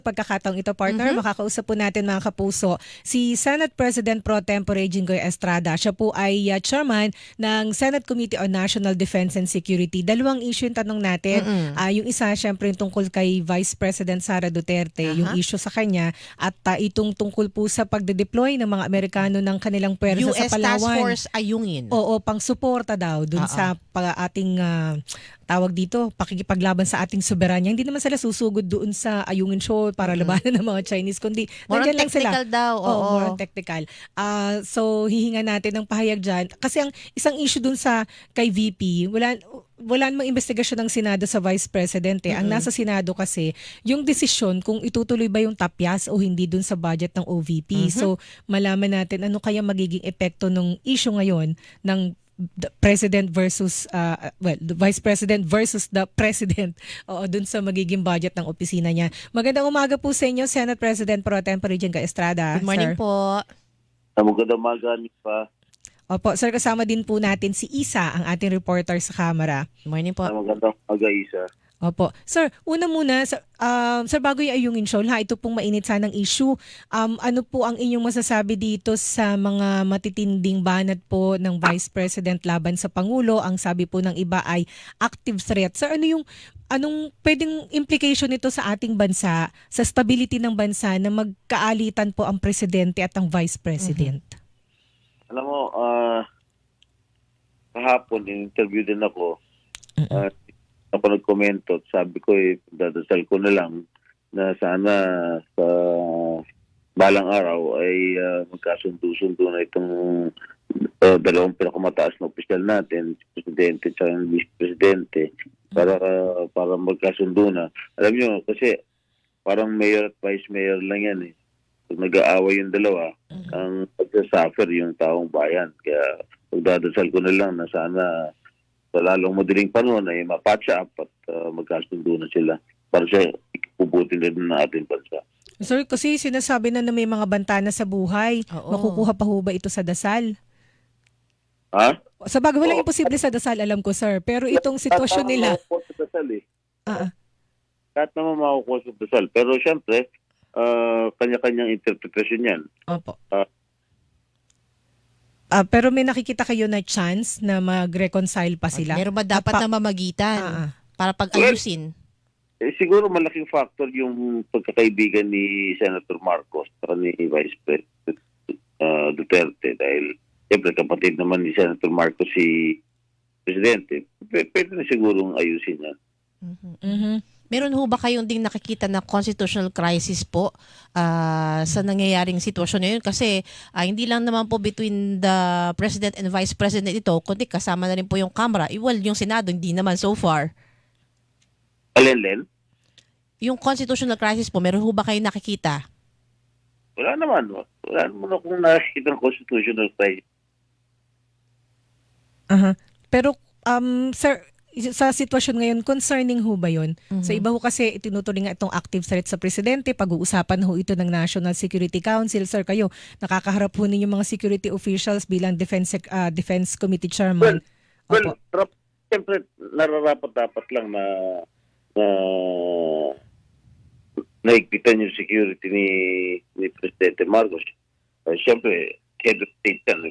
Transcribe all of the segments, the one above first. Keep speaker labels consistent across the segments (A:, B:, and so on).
A: Pagkakataong ito, partner, makakausap po natin mga kapuso si Senate President Pro Tempore Jinggoy Estrada. Siya po ay chairman ng Senate Committee on National Defense and Security. Dalawang issue yung tanong natin. Yung isa, syempre, yung tungkol kay Vice President Sara Duterte, yung issue sa kanya, at itong tungkol po sa pagde-deploy ng mga Amerikano ng kanilang pwersa sa
B: US
A: Palawan.
B: Task Force Ayungin.
A: Oo, pang-suporta daw dun sa ating tawag dito, pakikipaglaban sa ating soberanya. Hindi naman sila susugod doon sa Ayungin Shoal para labanan ng mga Chinese, kundi
B: More on
A: nandiyan lang sila.
B: technical daw.
A: More on technical. So, hihinga natin ng pahayag dyan. Kasi ang isang issue dun sa kay VP, wala namang investigasyon ng Senado sa Vice President. Ang nasa Senado kasi, yung desisyon kung itutuloy ba yung tapyas o hindi dun sa budget ng OVP. So, malaman natin ano kaya magiging epekto ng issue ngayon ng the President versus the Vice President versus the President dun sa magiging budget ng opisina niya. Magandang umaga po sa inyo, Senate President Pro Tempore Jinggoy Estrada.
B: Good morning,
A: sir.
B: po.
C: Magandang umaga, pa.
A: Opo, sir, kasama din po natin si Isa, ang ating reporter sa Kamara.
B: Good morning po.
C: Magandang umaga, Isa.
A: Opo. Sir, una muna, sir, bago yung Ayungin Shoal, ito pong mainit sanang issue. Ano po ang inyong masasabi dito sa mga matitinding banat po ng Vice President laban sa Pangulo? Ang sabi po ng iba ay active threat. Sir, anong pwedeng implication nito sa ating bansa, sa stability ng bansa na magkaalitan po ang Presidente at ang Vice President?
C: Alam mo, kahapon, in-interview din ako. Ako nagkomento at sabi ko, dadasal ko na lang na sana sa balang araw ay magkasundo-sundo na itong dalawang pinakamataas na opisyal natin, si Presidente at yung Vice Presidente, para magkasundo na. Alam nyo, kasi parang mayor at vice mayor lang yan eh. Pag nag-aaway yung dalawa, ang pagsasuffer yung taong bayan. Kaya magdadasal ko na lang na sana sa lalong madaling panahon ay mapatch up at magkasundo na sila para sa ipubuti na din ng ating bansa.
A: Sir, kasi sinasabi na may mga bantana sa buhay. Makukuha pa ho ba ito sa dasal?
C: Ha?
A: Sa bagay, walang imposible sa dasal, alam ko, sir. Pero itong sitwasyon nila...
C: Kahit naman makukuha sa dasal eh. Kahit naman makukuha sa dasal. Pero syempre, kanya-kanyang interpretasyon yan.
A: Opo. Pero may nakikita kayo na chance na mag-reconcile pa sila?
B: Meron ba dapat na mamagitan para pag-ayusin?
C: Siguro malaking factor yung pagkakaibigan ni Senator Marcos at ni Vice President Duterte dahil siyempre kapatid naman ni Senator Marcos si Presidente. Pwede na sigurong ayusin yan.
B: Meron ho ba kayong ding nakikita na constitutional crisis po sa nangyayaring sitwasyon ngayon? Kasi hindi lang naman po between the President and Vice President ito, kundi kasama na rin po yung Kamara. Well, yung Senado, hindi naman so far.
C: Alin?
B: Yung constitutional crisis po, meron ho ba kayong nakikita?
C: Wala naman. Wala naman akong nakikita ng constitutional crisis.
A: Pero, sir, sa sitwasyon ngayon, concerning ho ba yun? Sa iba ho kasi itinutuloy nga itong active threat sa Presidente, pag-uusapan ho ito ng National Security Council. Sir, kayo, nakakaharap ho ninyo mga security officials bilang Defense Committee Chairman.
C: Well, siyempre, nararapat-dapat lang na naigpitan yung security ni Presidente Marcos. Siyempre, head of state yan.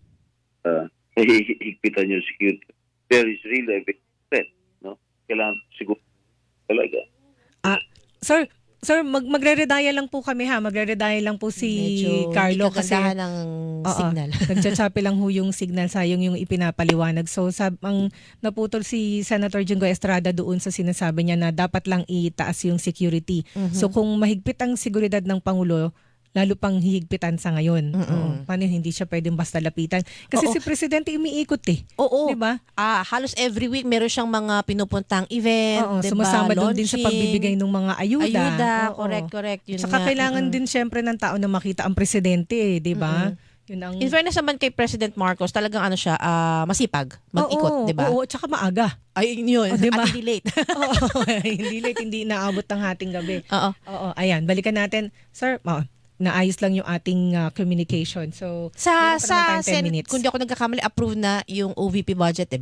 C: Higpitan yung security. There is really a big threat, no? Kailangan siguro talaga.
A: Sir, magre-redaya lang po kami ha. Magre-redaya lang po si
B: Medyo
A: Carlo kasi
B: ng signal.
A: Nagchatsapi lang ho yung signal, sayang yung ipinapaliwanag. So ang naputol si Senator Jinggoy Estrada doon sa sinasabi niya na dapat lang itaas yung security. So kung mahigpit ang seguridad ng Pangulo, lalo pang hihigpitan sa ngayon. Paano hindi siya pwedeng basta lapitan? Kasi si Presidente umiikot eh.
B: Oo.
A: Diba?
B: Halos every week meron siyang mga pinupuntang event, diba?
A: Sumasama doon din sa pagbibigay ng mga ayuda.
B: Correct. Yun
A: Saka kailangan din syempre ng tao na makita ang Presidente, di ba? Yun ang...
B: In fairness naman kay President Marcos, talagang siya, masipag, mag-ikot, di ba?
A: Oo, tsaka maaga.
B: Ay, yun.
A: Diba?
B: At hindi late.
A: Hindi late, hindi inaabot ng hating gabi.
B: Oo.
A: Ayan, balikan natin. Sir, naayos lang yung ating communication. So,
B: sa
A: meron pa naman tayong 10
B: Senate,
A: minutes.
B: kung di ako nagkakamali, approve na yung OVP budget, di ba?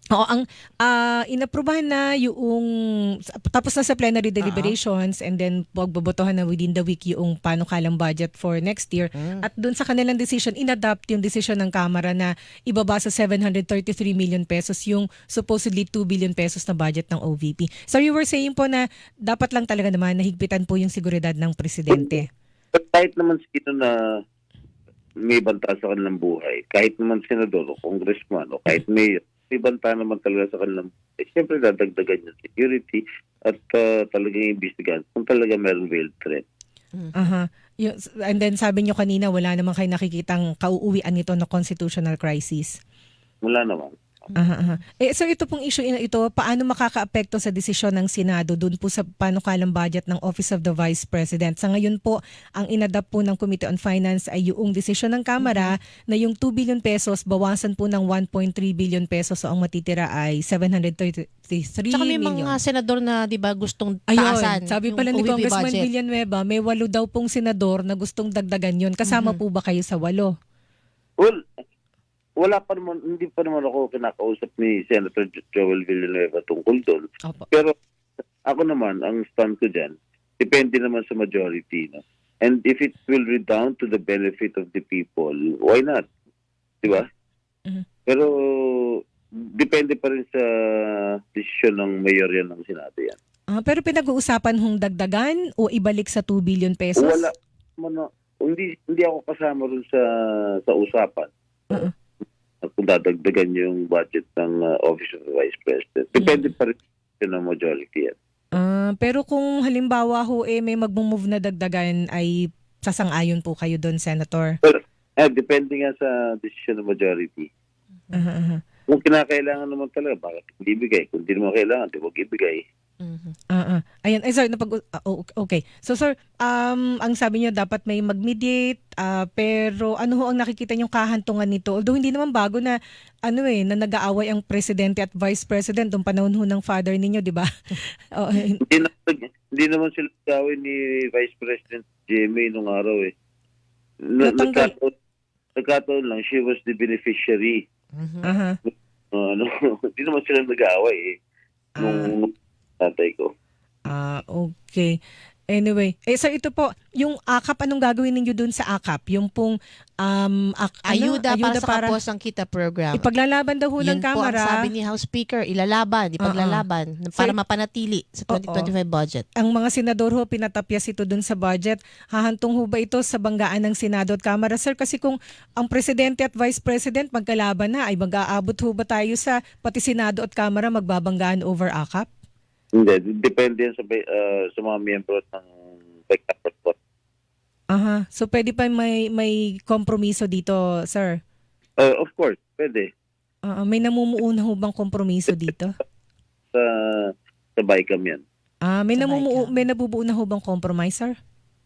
A: Oo, ang inaprubahan na yung tapos na sa plenary deliberations and then pagbobotohan na within the week yung panukalang budget for next year. At doon sa kanilang decision, inadapt yung decision ng Kamara na ibaba sa 733 million pesos yung supposedly 2 billion pesos na budget ng OVP. So you were saying po na dapat lang talaga naman nahigpitan po yung seguridad ng presidente.
C: But kahit naman sino na may banta sa kanilang buhay, kahit naman senador o congressman o kahit mayor, may banta naman talaga sa kanilang buhay. Siyempre dadagdagan yung security at talagang imbestigahan kung talaga meron real threat.
A: Aha. And then sabi nyo kanina wala naman kayo nakikitang kauuwian nito na constitutional crisis.
C: Wala naman.
A: Aha. So ito pong issue na ito, paano makakaapekto sa desisyon ng Senado doon po sa panukalang budget ng Office of the Vice President? Sa ngayon po, ang inadapt po ng Committee on Finance ay yung desisyon ng Kamara na yung 2 billion pesos bawasan po ng 1.3 billion pesos, so ang matitira ay 733
B: Tsaka may
A: million.
B: mga senador na 'di ba gustong
A: Ayun,
B: taasan
A: sabi
B: yung
A: pala ni
B: OVP
A: Congressman
B: budget.
A: Villanueva, may 8 daw pong senador na gustong dagdagan yon. Kasama po ba kayo sa 8?
C: Well, wala pa naman, hindi pa naman ako kinakausap ni Senator Joel Villanueva tungkol doon.
A: Opo.
C: Pero ako naman, ang stand ko dyan, depende naman sa majority. No? And if it will redound to the benefit of the people, why not? Di ba? Pero depende pa rin sa desisyon ng mayorya ng Senado yan.
A: Pero pinag-uusapan hong dagdagan o ibalik sa 2 billion pesos?
C: Wala. Hindi ako kasama rin sa usapan. Kung dadagdagan yung budget ng Office of the Vice President. Depende pa rin ng majority yan.
A: Pero kung halimbawa ho may mag-move na dagdagan ay sasang-ayon po kayo doon, Senator?
C: Well, depende nga sa desisyon ng majority. Kung kinakailangan naman talaga, bakit hindi ibigay? Kung hindi naman kailangan, di wag ibigay.
A: Ayan, sir, okay. So sir, ang sabi niyo dapat may mag-mediate, pero ano ho ang nakikita niyong kahantungan nito? Although hindi naman bago na na nag-aaway ang presidente at vice president noong panahon ho ng father ninyo, di ba?
C: Hindi naman sila gawin ni Vice President Jimmy nung araw eh.
A: Natanggal.
C: Nagkataon lang, she was the beneficiary. Hindi naman sila nag-aaway eh. Nung tatay ko.
A: Okay. Anyway, sir, ito po, yung AKAP, anong gagawin ninyo dun sa AKAP? Yung pong
B: Ayuda para sa Kapuasang Kita program.
A: Ipaglalaban daw ho ng
B: Yun po ang
A: Kamara.
B: sabi ni House Speaker, ipaglalaban para mapanatili sa 2025 budget.
A: Ang mga senador ho, pinatapyas ito dun sa budget. Hahantong ho ba ito sa banggaan ng Senado at Kamara? Sir, kasi kung ang Presidente at Vice President magkalaban na, ay mag-aabot ho ba tayo sa pati Senado at Kamara magbabanggaan over AKAP?
C: Hindi, depende yan sa mga miyembro ng backup report.
A: So pwede pa may kompromiso dito, sir?
C: Of course, pwede.
A: May namumuuna ho bang kompromiso dito?
C: Sa BICAM yan.
A: May nabubuo na ho bang compromise, sir?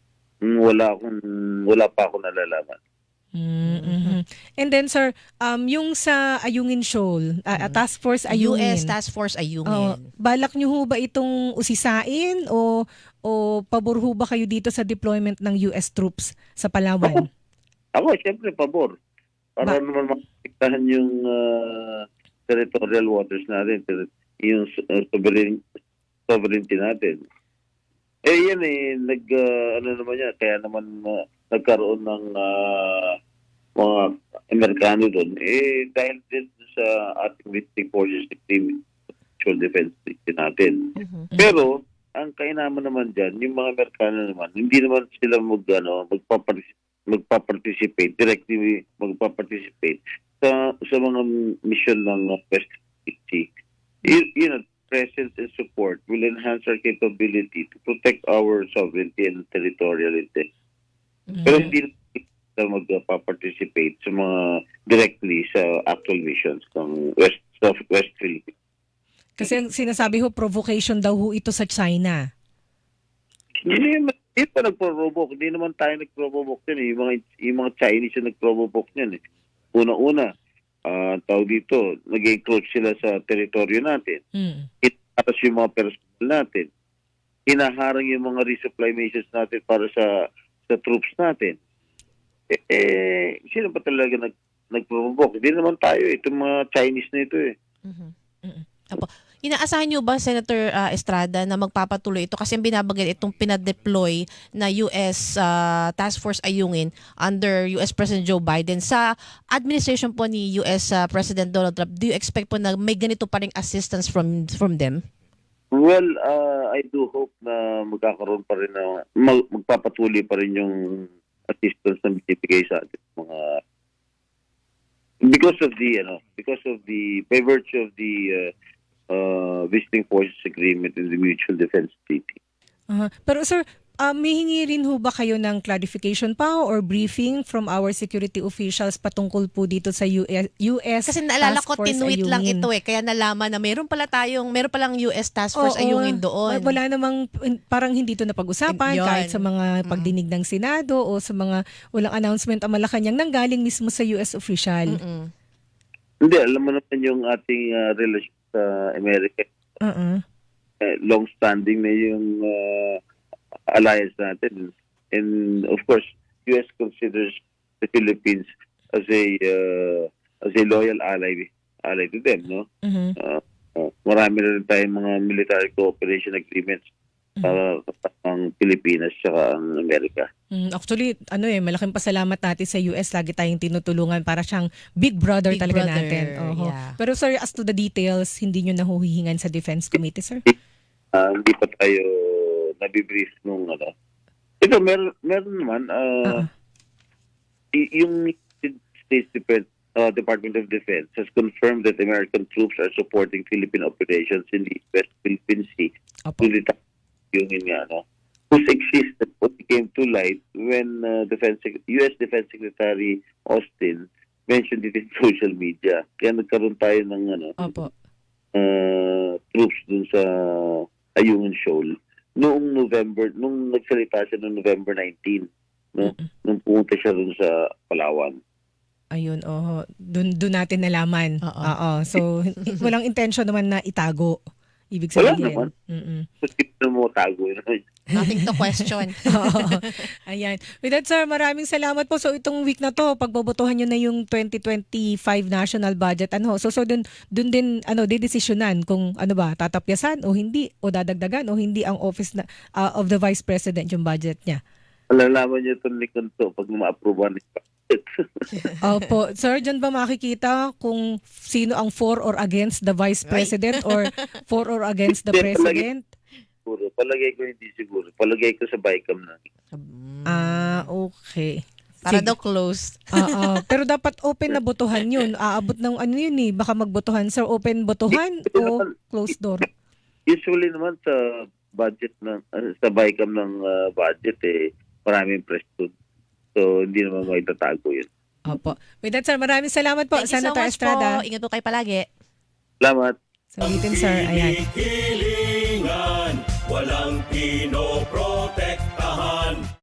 C: Wala pa ako nalalaman.
A: And then sir, yung sa Ayungin Shoal, Task Force Ayungin.
B: US Task Force Ayungin.
A: Balak nyo ho ba itong usisain o pabor ho ba kayo dito sa deployment ng US troops sa Palawan?
C: Ako, siyempre, pabor. Para naman makikitaan yung territorial waters natin, yung sovereignty natin. Yan naman yan, kaya naman nagkaroon ng mga Amerikano doon. Dahil din sa ating military forces, actual defense natin. Pero, ang kainaman naman dyan, yung mga Amerikano naman, hindi naman sila magpaparticipate, directly magpaparticipate sa mga mission ng West Sea. Presence and support will enhance our capability to protect our sovereignty and territoriality. Pero hindi na magpa-participate sa mga directly sa actual missions ng West Philippines.
A: Kasi ang sinasabi ho, provocation daw ho ito sa China.
C: Hindi pa nagprovoke. Hindi naman tayo nagprovoke yan. Yung mga Chinese yung nagprovoke yan. Una-una, tawag dito, nag-encroach sila sa teritoryo natin. Tapos yung mga personnel natin. Hinaharang yung mga resupply missions natin para sa troops natin. Sino ba talaga nagprovoke? Hindi naman tayo. Itong mga Chinese na ito eh.
B: Apo. Inaasahan niyo ba, Senator Estrada, na magpapatuloy ito? Kasi ang binabanggit itong pinadeploy na US Task Force Ayungin under US President Joe Biden. Sa administration po ni US President Donald Trump, do you expect po na may ganito pa ring assistance from them?
C: Well, I do hope na magkakaroon pa rin na magpapatuloy pa rin yung assistance na binibigay sa ating mga because of the by virtue of the visiting forces agreement and the mutual defense treaty.
A: Pero sir, may hingi rin ho ba kayo ng clarification pa or briefing from our security officials patungkol po dito sa US
B: Kasi naalala
A: Task
B: ko,
A: Force
B: tinuit lang
A: Ayungin?
B: ito kaya nalaman na meron palang US Task Force Ayungin doon.
A: Wala namang, parang hindi ito napag-usapan
B: Yun.
A: kahit sa mga pagdinig ng Senado o sa mga walang announcement ang Malacanang nanggaling mismo sa US official.
B: Mm-mm.
C: Hindi, alam mo naman yung ating relasyon sa Amerika. Long-standing na yung alliance natin. And of course, US considers the Philippines as a loyal ally to them, no? Marami na rin tayong mga military cooperation agreements ang Pilipinas at ang Amerika.
A: Actually, malaking pasalamat natin sa US. Lagi tayong tinutulungan para siyang big brother
B: Big
A: talaga
B: brother,
A: natin. Oho.
B: yeah.
A: Pero sir, as to the details, hindi nyo nahuhihingan sa Defense Committee, sir?
C: Hindi pa tayo nabibrief nung ano. Ito, meron naman. Yung States Department of Defense has confirmed that American troops are supporting Philippine operations in the West Philippine Sea.
A: Opo.
C: Yung whose existence came to light when US Defense Secretary Austin mentioned it in social media. Kaya nagkaroon tayo ng
A: Opo.
C: troops dun sa Ayungin Shoal noong nagsalita siya noong November 19, no? Nung pumunta siya dun sa Palawan.
A: Ayun, Doon natin nalaman.
B: Oo.
A: Oo. So, walang intention naman na itago. Ibig
C: Wala
A: sabihin.
C: naman. Kasi mo tago yun.
B: Nothing to question.
A: Oo. Ayan. With that, sir, maraming salamat po. So, itong week na to, pagbobotohan nyo na yung 2025 national budget. So dun din, didesisyonan kung tatapyasan o hindi, o dadagdagan o hindi ang office of the Vice President yung budget niya.
C: Alalaman niyo itong likod to pag ma-approve ni budget.
A: Opo. Sir, dyan ba makikita kung sino ang for or against the Vice President or for or against the President?
C: Siguro. Palagay ko hindi siguro. Palagay ko sa BICAM na.
A: Okay.
B: Para
A: Sige.
B: daw closed.
A: Pero dapat open na botohan yun. Aabot ng baka magbotohan. Sir, open botohan o closed door?
C: Usually naman sa budget sa BICAM ng budget maraming press doon. So hindi naman may tatago yun.
A: Opo. With that, sir, maraming salamat po,
B: Thank you so
A: Senator
B: much
A: Estrada.
B: po. Ingat po kayo palagi.
C: Salamat.
A: So, ulitin, sir. Ayan.
D: Hilingan, walang pinoprotektahan.